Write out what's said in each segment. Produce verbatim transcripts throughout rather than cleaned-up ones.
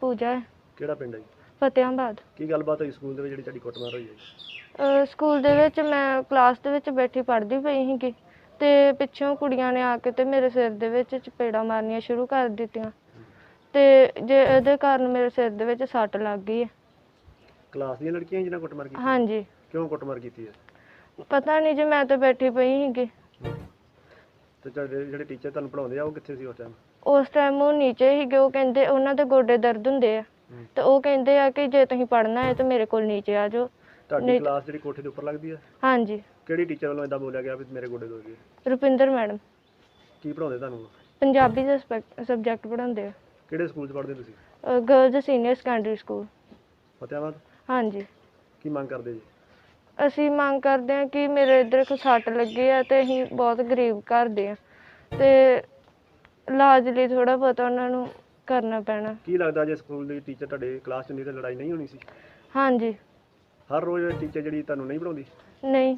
ਪੂਜਾ ਹੈ। ਕਿਹੜਾ ਪਿੰਡ ਹੈ ਜੀ? ਫਤਿਆਬਾਦ। ਕੀ ਗੱਲਬਾਤ ਹੋਈ ਸਕੂਲ ਦੇ ਵਿੱਚ ਜਿਹੜੀ ਤੁਹਾਡੀ ਕੁੱਟਮਾਰ ਹੋਈ ਹੈ? ਸਕੂਲ ਦੇ ਵਿੱਚ ਮੈਂ ਕਲਾਸ ਦੇ ਵਿੱਚ ਬੈਠੀ ਪੜ੍ਹਦੀ ਪਈ ਸੀਗੀ ਤੇ ਪਿੱਛੋਂ ਕੁੜੀਆਂ ਨੇ ਆ ਕੇ ਤੇ ਮੇਰੇ ਸਿਰ ਦੇ ਵਿੱਚ ਚਪੇੜਾਂ ਮਾਰਨੀਆਂ ਸ਼ੁਰੂ ਕਰ ਦਿੱਤੀਆਂ ਤੇ ਜੇ ਇਹਦੇ ਕਾਰਨ ਮੇਰੇ ਸਿਰ ਦੇ ਵਿੱਚ ਸੱਟ ਲੱਗ ਗਈ ਹੈ। ਕਲਾਸ ਦੀਆਂ ਲੜਕੀਆਂ ਜਿਹਨਾਂ ਕੁੱਟਮਾਰ ਕੀਤੀ? ਹਾਂਜੀ। ਕਿਉਂ ਕੁੱਟਮਾਰ ਕੀਤੀ ਹੈ? ਪਤਾ ਨਹੀਂ ਜੀ, ਮੈਂ ਤਾਂ ਬੈਠੀ ਪਈ ਸੀਗੀ। ਤੇ ਤੁਹਾਡੇ ਜਿਹੜੇ ਟੀਚਰ ਤੁਹਾਨੂੰ ਪੜ੍ਹਾਉਂਦੇ ਆ ਉਹ ਕਿੱਥੇ ਸੀ ਉਸ ਟਾਈਮ? ਉਸ ਟਾਈਮ ਉਹ ਨੀਚੇ ਸੀਗੇ। ਉਹ ਕਹਿੰਦੇ ਉਹਨਾਂ ਦੇ ਗੋਡੇ ਦਰਦ ਹੁੰਦੇ ਆ ਤੇ ਉਹ ਕਹਿੰਦੇ ਆ ਕਿ ਜੇ ਤੁਸੀਂ ਪੜ੍ਹਨਾ ਹੈ ਤਾਂ ਮੇਰੇ ਕੋਲ ਨੀਚੇ ਆ ਜਾਓ। ਤੁਹਾਡੀ ਕਲਾਸ ਜਿਹੜੀ ਕੋਠੇ ਦੇ ਉੱਪਰ ਲੱਗਦੀ ਹੈ? ਹਾਂਜੀ। ਕਿਹੜੀ ਟੀਚਰ ਵੱਲੋਂ ਇਦਾਂ ਬੋਲਿਆ ਗਿਆ ਵੀ ਮੇਰੇ ਗੋਡੇ ਦੁਖ ਗਏ? ਰੁਪਿੰਦਰ ਮੈਡਮ। ਕੀ ਪੜ੍ਹਾਉਂਦੇ ਤੁਹਾਨੂੰ? ਪੰਜਾਬੀ ਦਾ ਸਬਜੈਕਟ ਪੜ੍ਹਾਉਂਦੇ ਆ। ਕਿਹੜੇ ਸਕੂਲ 'ਚ ਪੜ੍ਹਦੇ ਤੁਸੀਂ? Girls senior secondary school Fatehabad. ਹਾਂਜੀ। ਕੀ ਮੰਗ ਕਰਦੇ ਜੀ? ਅਸੀਂ ਮੰਗ ਕਰਦੇ ਹਾਂ ਕਿ ਮੇਰੇ ਇੱਧਰ ਕੋ ਸੱਟ ਲੱਗੀ ਆ ਤੇ ਅਸੀਂ ਬਹੁਤ ਗਰੀਬ ਘਰ ਦੇ ਆ ਤੇ ਇਲਾਜ ਲਈ ਥੋੜ੍ਹਾ ਬਹੁਤਾ ਉਹਨਾਂ ਨੂੰ ਕਰਨਾ ਪੈਣਾ। ਕੀ ਲੱਗਦਾ ਜੇ ਸਕੂਲ ਦੀ ਟੀਚਰ ਤੁਹਾਡੇ ਕਲਾਸ 'ਚ ਹੁੰਦੀ ਤਾਂ ਲੜਾਈ ਨਹੀਂ ਹੋਣੀ ਸੀ? ਹਾਂਜੀ। ਹਰ ਰੋਜ਼ ਟੀਚਰ ਜਿਹੜੀ ਤੁਹਾਨੂੰ ਨਹੀਂ ਪੜ੍ਹਾਉਂਦੀ? ਨਹੀਂ।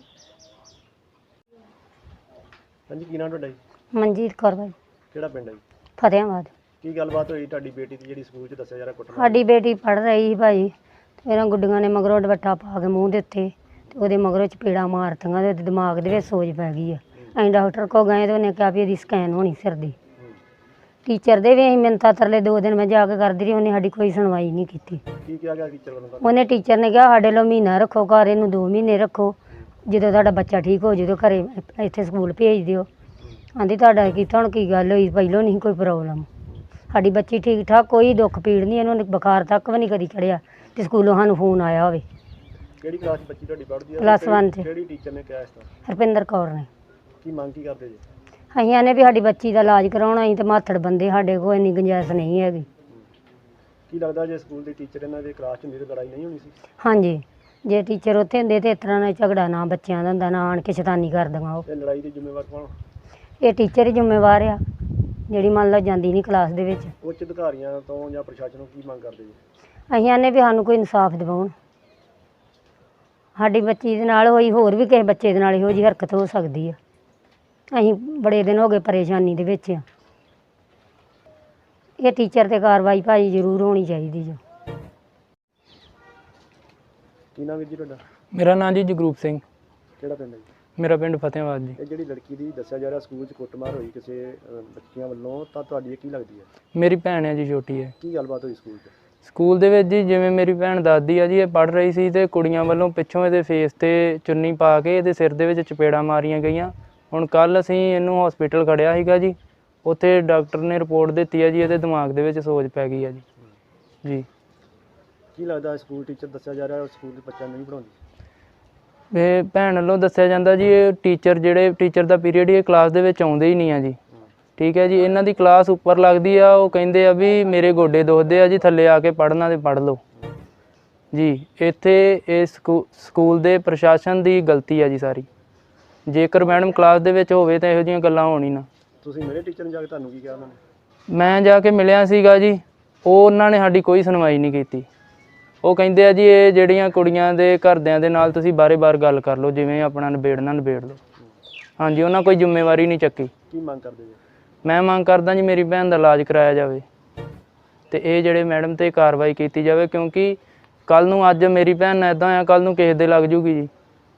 ਹਾਂਜੀ, ਕੀ ਨਾਮ ਤੁਹਾਡਾ ਜੀ? ਮਨਜੀਤ ਕੌਰ ਬਾਈ। ਕਿਹੜਾ ਪਿੰਡ ਹੈ ਜੀ? ਫਤਿਆਬਾਦ। ਕੀ ਗੱਲਬਾਤ ਹੋਈ ਤੁਹਾਡੀ ਬੇਟੀ ਦੀ ਜਿਹੜੀ ਸਕੂਲ 'ਚ ਦੱਸਿਆ ਜਾ ਰਿਹਾ ਕੁੱਟਮਾਰ? ਸਾਡੀ ਬੇਟੀ ਪੜ੍ਹ ਰਹੀ ਸੀ ਭਾਈ ਤੇ ਇਹਨਾਂ ਗੁੱਡੀਆਂ ਨੇ ਮਗਰੋਂ ਦੁਪੱਟਾ ਪਾ ਕੇ ਮੂੰਹ ਦੇ ਉੱਤੇ ਤੇ ਉਹਦੇ ਮਗਰੋਂ ਚਪੇੜਾਂ ਮਾਰਤੀਆਂ ਤੇ ਉਹਦੇ ਦਿਮਾਗ ਦੇ ਵਿੱਚ ਸੋਜ ਪੈ ਗਈ ਆ। ਅਸੀਂ ਡਾਕਟਰ ਕੋਲ ਗਏ ਤੇ ਉਹਨੇ ਕਿਹਾ ਵੀ ਇਹਦੀ ਸਕੈਨ ਹੋਣੀ ਸਿਰ ਦੀ। ਟੀਚਰ ਦੇ ਵੀ ਅਸੀਂ ਮਿੰਨਤਾਂ ਤਰਲੇ ਦੋ ਦਿਨ ਮੈਂ ਜਾ ਕੇ ਕਰਦੀ ਰਹੀ, ਉਹਨੇ ਸਾਡੀ ਕੋਈ ਸੁਣਵਾਈ ਨਹੀਂ ਕੀਤੀ। ਕੀ ਕਿਹਾ ਗਿਆ ਟੀਚਰ ਵੱਲੋਂ? ਉਹਨੇ ਟੀਚਰ ਨੇ ਕਿਹਾ ਸਾਡੇ ਲੋ ਮਹੀਨਾ ਰੱਖੋ ਘਰ, ਇਹਨੂੰ ਦੋ ਮਹੀਨੇ ਰੱਖੋ, ਜਦੋਂ ਤੁਹਾਡਾ ਬੱਚਾ ਠੀਕ ਹੋ ਜਦੋਂ ਘਰੇ ਇੱਥੇ ਸਕੂਲ ਭੇਜ ਦਿਓ। ਆਂਦੀ ਤੁਹਾਡਾ ਕੀਤਾ ਹੁਣ ਕੀ ਗੱਲ ਹੋਈ, ਪਹਿਲੋਂ ਨਹੀਂ ਕੋਈ ਪ੍ਰੋਬਲਮ, ਸਾਡੀ ਬੱਚੀ ਠੀਕ ਠਾਕ, ਕੋਈ ਦੁੱਖ ਪੀੜ ਨਹੀਂ, ਇਹਨੂੰ ਬੁਖਾਰ ਤੱਕ ਵੀ ਨਹੀਂ ਕਦੀ ਚੜਿਆ ਤੇ ਸਕੂਲੋਂ ਸਾਨੂੰ ਫੋਨ ਆਇਆ ਹੋਵੇ। ਕਿਹੜੀ ਕਲਾਸ 'ਚ ਬੱਚੀ ਤੁਹਾਡੀ ਪੜ੍ਹਦੀ ਹੈ? ਪਲੱਸ ਵਨ 'ਚ। ਕਿਹੜੀ ਟੀਚਰ ਨੇ ਕਿਹਾ ਇਸ ਤਰ੍ਹਾਂ? ਰੁਪਿੰਦਰ ਕੌਰ ਨੇ। ਕੀ ਮੰਗ ਕੀ ਕਰਦੇ ਜੀ? ਅਸੀਂ ਆਨੇ ਵੀ ਸਾਡੀ ਬੱਚੀ ਦਾ ਇਲਾਜ ਕਰਾਉਣਾ, ਅਸੀਂ ਤਾਂ ਮਾਥੜ ਬੰਦੇ, ਸਾਡੇ ਕੋਲ ਇੰਨੀ ਗੁੰਜਾਇਸ਼ ਨਹੀਂ ਹੈਗੀ। ਕੀ ਲੱਗਦਾ ਜੇ ਸਕੂਲ ਦੀ ਟੀਚਰ ਇਹਨਾਂ ਦੇ ਕਲਾਸ 'ਚ ਹੁੰਦੀ ਤਾਂ ਲੜਾਈ ਨਹੀਂ ਹੋਣੀ ਸੀ? ਹਾਂਜੀ, ਜੇ ਟੀਚਰ ਉੱਥੇ ਹੁੰਦੇ ਤਾਂ ਇਸ ਤਰ੍ਹਾਂ ਨਾਲ ਝਗੜਾ ਨਾ ਬੱਚਿਆਂ ਦਾ ਹੁੰਦਾ, ਨਾ ਆਣ ਕੇ ਸ਼ੈਤਾਨੀ ਕਰਦੀਆਂ। ਉਹ ਇਹ ਲੜਾਈ ਦੀ ਜ਼ਿੰਮੇਵਾਰ ਕੌਣ? ਇਹ ਟੀਚਰ ਹੀ ਜ਼ਿੰਮੇਵਾਰ ਆ, ਜਿਹੜੀ ਮੰਨ ਲਓ ਜਾਂਦੀ ਨਹੀਂ ਕਲਾਸ ਦੇ ਵਿੱਚ। ਉੱਚ ਅਧਿਕਾਰੀਆਂ ਤੋਂ ਜਾਂ ਪ੍ਰਸ਼ਾਸਨ ਨੂੰ ਕੀ ਮੰਗ ਕਰਦੇ ਜੀ? ਅਸੀਂ ਆਨੇ ਵੀ ਸਾਨੂੰ ਕੋਈ ਇਨਸਾਫ ਦਿਵਾਉਣ। ਸਾਡੀ ਬੱਚੀ ਦੇ ਨਾਲ ਹੋਈ, ਹੋਰ ਵੀ ਕਿਸੇ ਬੱਚੇ ਦੇ ਨਾਲ ਇਹੋ ਜਿਹੀ ਹਰਕਤ ਹੋ ਸਕਦੀ ਆ। ਅਸੀਂ ਬੜੇ ਦਿਨ ਹੋ ਗਏ ਪਰੇਸ਼ਾਨੀ ਦੇ ਵਿੱਚ ਆ। ਇਹ ਟੀਚਰ 'ਤੇ ਕਾਰਵਾਈ ਭਾਈ ਜ਼ਰੂਰ ਹੋਣੀ ਚਾਹੀਦੀ ਜੋ। ਕੀ ਨਾਮ ਹੈ ਜੀ ਤੁਹਾਡਾ? ਮੇਰਾ ਨਾਮ ਜੀ ਜਗਰੂਪ ਸਿੰਘ। ਕਿਹੜਾ ਪਿੰਡ ਹੈ ਜੀ? ਮੇਰਾ ਪਿੰਡ ਫਤਿਆਬਾਦ ਜੀ। ਇਹ ਜਿਹੜੀ ਲੜਕੀ ਦੀ ਦੱਸਿਆ ਜਾ ਰਿਹਾ ਸਕੂਲ 'ਚ ਕੁੱਟਮਾਰ ਹੋਈ ਕਿਸੇ ਅ, ਬੱਚੀਆਂ ਵੱਲੋਂ, ਤਾਂ ਤੁਹਾਡੀ ਇਹ ਕੀ ਲੱਗਦੀ ਹੈ? ਮੇਰੀ ਭੈਣ ਹੈ ਜੀ, ਛੋਟੀ ਹੈ। ਕੀ ਗੱਲਬਾਤ ਹੋਈ ਸਕੂਲ 'ਚ? ਸਕੂਲ ਦੇ ਵਿੱਚ ਜੀ ਜਿਵੇਂ ਮੇਰੀ ਭੈਣ ਦੱਸਦੀ ਆ ਜੀ, ਇਹ ਪੜ੍ਹ ਰਹੀ ਸੀ ਤੇ ਕੁੜੀਆਂ ਵੱਲੋਂ ਪਿੱਛੋਂ ਇਹਦੇ ਫੇਸ ਤੇ ਚੁੰਨੀ ਪਾ ਕੇ ਇਹਦੇ ਸਿਰ ਦੇ ਵਿੱਚ ਚਪੇੜਾਂ ਮਾਰੀਆਂ ਗਈਆਂ। ਹੁਣ ਕੱਲ੍ਹ ਅਸੀਂ ਇਹਨੂੰ ਹਸਪੀਟਲ ਖੜਿਆ ਸੀਗਾ ਜੀ, ਉੱਥੇ ਡਾਕਟਰ ਨੇ ਰਿਪੋਰਟ ਦਿੱਤੀ ਹੈ ਜੀ ਇਹਦੇ ਦਿਮਾਗ ਦੇ ਵਿੱਚ ਸੋਜ ਪੈ ਗਈ ਹੈ ਜੀ। ਜੀ। ਕੀ ਲੱਗਦਾ ਸਕੂਲ ਟੀਚਰ ਦੱਸਿਆ ਜਾ ਰਿਹਾ ਸਕੂਲ ਦੇ ਬੱਚਿਆਂ ਨੂੰ ਨਹੀਂ ਪੜ੍ਹਾਉਂਦੀ? ਇਹ ਭੈਣ ਵੱਲੋਂ ਦੱਸਿਆ ਜਾਂਦਾ ਜੀ, ਇਹ ਟੀਚਰ ਜਿਹੜੇ ਟੀਚਰ ਦਾ ਪੀਰੀਅਡ ਇਹ ਕਲਾਸ ਦੇ ਵਿੱਚ ਆਉਂਦੇ ਹੀ ਨਹੀਂ ਆ ਜੀ। ਠੀਕ ਹੈ ਜੀ, ਇਹਨਾਂ ਦੀ ਕਲਾਸ ਉੱਪਰ ਲੱਗਦੀ ਆ, ਉਹ ਕਹਿੰਦੇ ਆ ਵੀ ਮੇਰੇ ਗੋਡੇ ਦੁਖਦੇ ਆ ਜੀ, ਥੱਲੇ ਆ ਕੇ ਪੜ੍ਹਨਾ ਤੇ ਪੜ੍ਹ ਲਓ ਜੀ। ਇੱਥੇ ਇਹ ਸਕੂ ਸਕੂਲ ਦੇ ਪ੍ਰਸ਼ਾਸਨ ਦੀ ਗਲਤੀ ਆ ਜੀ ਸਾਰੀ। ਜੇਕਰ ਮੈਡਮ ਕਲਾਸ ਦੇ ਵਿੱਚ ਹੋਵੇ ਤਾਂ ਇਹੋ ਜਿਹੀਆਂ ਗੱਲਾਂ ਹੋਣ ਹੀ ਨਾ। ਤੁਸੀਂ ਮੇਰੇ ਟੀਚਰ ਨੂੰ ਜਾ ਕੇ ਤੁਹਾਨੂੰ ਕੀ ਕਿਹਾ ਉਹਨਾਂ ਨੇ? ਮੈਂ ਜਾ ਕੇ ਮਿਲਿਆ ਸੀਗਾ ਜੀ, ਉਹ ਉਹਨਾਂ ਨੇ ਸਾਡੀ ਕੋਈ ਸੁਣਵਾਈ ਨਹੀਂ ਕੀਤੀ। ਉਹ ਕਹਿੰਦੇ ਆ ਜੀ ਇਹ ਜਿਹੜੀਆਂ ਕੁੜੀਆਂ ਦੇ ਘਰਦਿਆਂ ਦੇ ਨਾਲ ਤੁਸੀਂ ਬਾਰੇ-ਬਾਰ ਗੱਲ ਕਰ ਲਓ, ਜਿਵੇਂ ਆਪਣਾ ਨਿਬੇੜਨਾ ਨਿਬੇੜ ਲਓ। ਹਾਂਜੀ, ਉਹਨਾਂ ਕੋਈ ਜ਼ਿੰਮੇਵਾਰੀ ਨਹੀਂ ਚੱਕੀ। ਕੀ ਮੰਗ ਕਰਦੇ ਜੀ? ਮੈਂ ਮੰਗ ਕਰਦਾ ਜੀ ਮੇਰੀ ਭੈਣ ਦਾ ਇਲਾਜ ਕਰਾਇਆ ਜਾਵੇ ਤੇ ਇਹ ਜਿਹੜੇ ਮੈਡਮ 'ਤੇ ਕਾਰਵਾਈ ਕੀਤੀ ਜਾਵੇ, ਕਿਉਂਕਿ ਕੱਲ੍ਹ ਨੂੰ ਅੱਜ ਮੇਰੀ ਭੈਣ ਨਾਲ ਇੱਦਾਂ ਆ, ਕੱਲ੍ਹ ਨੂੰ ਕਿਸੇ ਦੇ ਲੱਗ ਜੂਗੀ ਜੀ।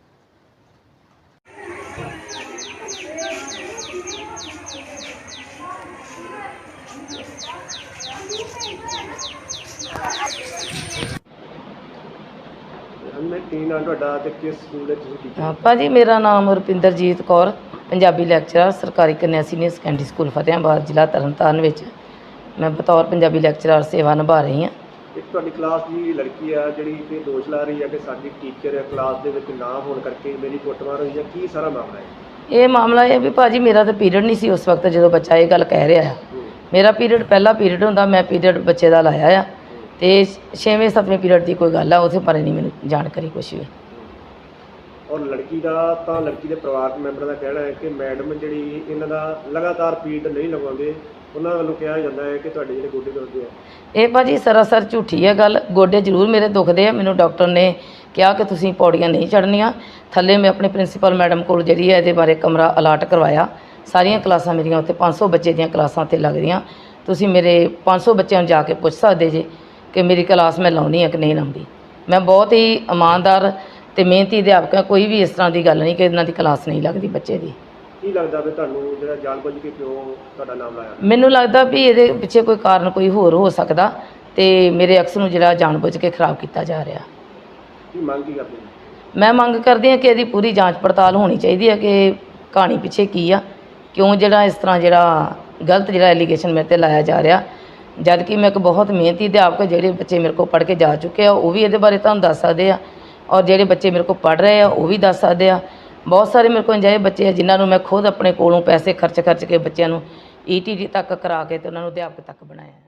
ਮੈਂ ਕੀ ਨਾਮ ਤੁਹਾਡਾ ਤੇ ਕਿਸ ਸਕੂਲ ਦੇ ਤੁਸੀਂ ਟੀਚਰ? ਹਾਂ ਭਾਜੀ, ਮੇਰਾ ਨਾਮ ਰੁਪਿੰਦਰਜੀਤ ਕੌਰ, ਪੰਜਾਬੀ ਲੈਕਚਰਰ, ਸਰਕਾਰੀ ਕੰਨਿਆ ਸੀਨੀਅਰ ਸੈਕੰਡਰੀ ਸਕੂਲ ਫਤਿਆਬਾਦ, ਜ਼ਿਲ੍ਹਾ ਤਰਨਤਾਰਨ ਵਿੱਚ ਮੈਂ ਬਤੌਰ ਪੰਜਾਬੀ ਲੈਕਚਰਰ ਸੇਵਾ ਨਿਭਾ ਰਹੀ ਹਾਂ। ਇੱਕ ਤੁਹਾਡੀ ਕਲਾਸ ਦੀ ਲੜਕੀ ਆ ਜਿਹੜੀ ਕਿ ਦੋਸ਼ ਲਾ ਰਹੀ ਹੈ ਕਿ ਸਾਡੀ ਟੀਚਰ ਕਲਾਸ ਦੇ ਵਿੱਚ ਨਾ ਹੋਣ ਕਰਕੇ ਮੇਰੀ ਕੁੱਟਮਾਰ ਹੋਈ ਹੈ, ਕੀ ਸਾਰਾ ਮਾਮਲਾ ਹੈ? ਇਹ ਮਾਮਲਾ ਇਹ ਵੀ ਭਾਜੀ ਮੇਰਾ ਤਾਂ ਪੀਰੀਅਡ ਨਹੀਂ ਸੀ ਉਸ ਵਕਤ ਜਦੋਂ ਬੱਚਾ ਇਹ ਗੱਲ ਕਹਿ ਰਿਹਾ ਆ। ਮੇਰਾ ਪੀਰੀਅਡ ਪਹਿਲਾ ਪੀਰੀਅਡ ਹੁੰਦਾ, ਮੈਂ ਪੀਰੀਅਡ ਬੱਚੇ ਦਾ ਲਾਇਆ ਆ ਤੇ ਛੇਵੇਂ ਸੱਤਵੇਂ ਪੀਰੀਅਡ ਦੀ ਕੋਈ ਗੱਲ ਆ, ਉਹਦੇ ਬਾਰੇ ਨਹੀਂ ਮੈਨੂੰ ਜਾਣਕਾਰੀ ਕੁਛ ਵੀ। ਔਰ ਲੜਕੀ ਦਾ ਤਾਂ ਲੜਕੀ ਦੇ ਪਰਿਵਾਰਕ ਮੈਂਬਰਾਂ ਦਾ ਕਹਿਣਾ ਹੈ ਕਿ ਮੈਡਮ ਜਿਹੜੀ ਇਹਨਾਂ ਦਾ ਲਗਾਤਾਰ ਪੀਰੀਅਡ ਨਹੀਂ ਲਗਾਉਂਦੇ, ਉਹਨਾਂ ਵੱਲੋਂ ਕਿਹਾ ਜਾਂਦਾ ਹੈ ਕਿ ਤੁਹਾਡੇ ਜਿਹੜੇ ਗੋਡੇ ਦੁਖਦੇ ਆ। ਇਹ ਭਾਜੀ ਸਰਾਸਰ ਝੂਠੀ ਹੈ ਗੱਲ। ਗੋਡੇ ਜ਼ਰੂਰ ਮੇਰੇ ਦੁਖਦੇ ਆ, ਮੈਨੂੰ ਡਾਕਟਰ ਨੇ ਕਿਹਾ ਕਿ ਤੁਸੀਂ ਪੌੜੀਆਂ ਨਹੀਂ ਚੜ੍ਹਨੀਆਂ। ਥੱਲੇ ਮੈਂ ਆਪਣੇ ਪ੍ਰਿੰਸੀਪਲ ਮੈਡਮ ਕੋਲ ਜਿਹੜੀ ਹੈ ਇਹਦੇ ਬਾਰੇ ਕਮਰਾ ਅਲਾਟ ਕਰਵਾਇਆ। ਸਾਰੀਆਂ ਕਲਾਸਾਂ ਮੇਰੀਆਂ ਉੱਥੇ ਪੰਜ ਸੌ ਬੱਚੇ ਦੀਆਂ ਕਲਾਸਾਂ 'ਤੇ ਲੱਗਦੀਆਂ। ਤੁਸੀਂ ਮੇਰੇ ਪੰਜ ਸੌ ਬੱਚਿਆਂ ਨੂੰ ਜਾ ਕੇ ਪੁੱਛ ਸਕਦੇ ਜੇ ਕਿ ਮੇਰੀ ਕਲਾਸ ਮੈਂ ਲਾਉਣੀ ਹੈ ਕਿ ਨਹੀਂ ਲਾਉਂਦੀ। ਮੈਂ ਬਹੁਤ ਹੀ ਇਮਾਨਦਾਰ ਤੇ ਮਿਹਨਤੀ ਅਧਿਆਪਕ ਹਾਂ, ਕੋਈ ਵੀ ਇਸ ਤਰ੍ਹਾਂ ਦੀ ਗੱਲ ਨਹੀਂ ਕਿ ਇਹਨਾਂ ਦੀ ਕਲਾਸ ਨਹੀਂ ਲੱਗਦੀ ਬੱਚੇ ਦੀ। ਕੀ ਲੱਗਦਾ ਵੀ ਤੁਹਾਨੂੰ ਜਿਹੜਾ ਜਾਣਬੁੱਝ ਕੇ ਕਿਉਂ ਤੁਹਾਡਾ ਨਾਮ ਲਾਇਆ? ਮੈਨੂੰ ਲੱਗਦਾ ਵੀ ਇਹਦੇ ਪਿੱਛੇ ਕੋਈ ਕਾਰਨ ਕੋਈ ਹੋਰ ਹੋ ਸਕਦਾ ਤੇ ਮੇਰੇ ਅਕਸ ਨੂੰ ਜਿਹੜਾ ਜਾਣਬੁੱਝ ਕੇ ਖਰਾਬ ਕੀਤਾ ਜਾ ਰਿਹਾ। ਕੀ ਮੰਗ ਕੀ ਕਰਦੇ ਹੋ? ਮੈਂ ਮੰਗ ਕਰਦੀ ਹਾਂ ਕਿ ਇਹਦੀ ਪੂਰੀ ਜਾਂਚ ਪੜਤਾਲ ਹੋਣੀ ਚਾਹੀਦੀ ਹੈ ਕਿ ਕਹਾਣੀ ਪਿੱਛੇ ਕੀ ਆ, ਕਿਉਂ ਜਿਹੜਾ ਇਸ ਤਰ੍ਹਾਂ ਜਿਹੜਾ ਗਲਤ ਜਿਹੜਾ ਐਲੀਗੇਸ਼ਨ ਮੇਰੇ ਤੇ ਲਾਇਆ ਜਾ ਰਿਹਾ। ਜਦ ਕਿ ਮੈਂ ਇੱਕ ਬਹੁਤ ਮਿਹਨਤੀ ਅਧਿਆਪਕ, ਜਿਹੜੇ ਬੱਚੇ ਮੇਰੇ ਕੋਲ ਪੜ੍ਹ ਕੇ ਜਾ ਚੁੱਕੇ ਆ ਉਹ ਵੀ ਇਹਦੇ ਬਾਰੇ ਤੁਹਾਨੂੰ ਦੱਸ ਸਕਦੇ ਆ, ਔਰ ਜਿਹੜੇ ਬੱਚੇ ਮੇਰੇ ਕੋਲ ਪੜ੍ਹ ਰਹੇ ਆ ਉਹ ਵੀ ਦੱਸ ਸਕਦੇ ਆ। ਬਹੁਤ ਸਾਰੇ ਮੇਰੇ ਕੋਲ ਅਜਿਹੇ ਬੱਚੇ ਆ ਜਿਨ੍ਹਾਂ ਨੂੰ ਮੈਂ ਖੁਦ ਆਪਣੇ ਕੋਲੋਂ ਪੈਸੇ ਖਰਚ ਖਰਚ ਕੇ ਬੱਚਿਆਂ ਨੂੰ ਈ ਟੀ ਟੀ ਤੱਕ ਕਰਾ ਕੇ ਤੇ ਉਹਨਾਂ ਨੂੰ ਅਧਿਆਪਕ ਤੱਕ ਬਣਾਇਆ।